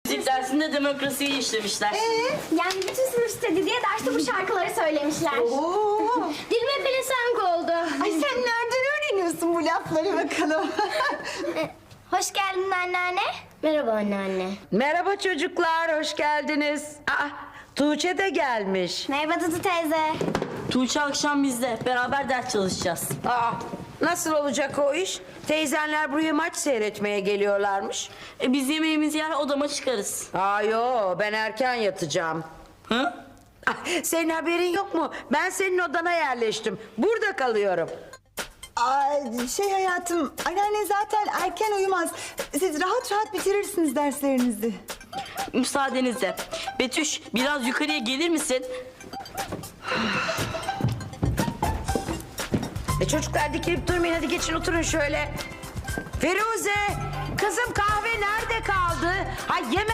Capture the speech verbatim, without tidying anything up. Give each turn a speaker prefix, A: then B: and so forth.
A: Müzik dersinde demokrasiyi işlemişler.
B: Ee?
C: Yani bütün sınıf istedi diye derste bu şarkıları söylemişler.
B: Oo.
C: Dilime pelesenk oldu.
B: Ay sen nereden öğreniyorsun bu lafları bakalım?
C: Hoş geldin anneanne. Merhaba anneanne.
D: Merhaba çocuklar, hoş geldiniz. Aa, Tuğçe de gelmiş.
C: Merhaba Dudu teyze.
A: Tuğçe akşam bizde. Beraber ders çalışacağız.
D: Aa, nasıl olacak o iş? Teyzenler buraya maç seyretmeye geliyorlarmış.
A: E biz yemeğimizi yer odama çıkarız.
D: Aa yo, ben erken yatacağım.
A: Hı?
D: Ah, senin haberin yok mu? Ben senin odana yerleştim. Burada kalıyorum.
B: Ay, şey hayatım, anneanne zaten erken uyumaz. Siz rahat rahat bitirirsiniz derslerinizi.
A: Müsaadenizle. Betüş biraz yukarıya gelir misin?
D: E çocuklar dikilip durmayın, hadi geçin oturun şöyle. Firuze, kızım kahve nerede kaldı? Ay yeme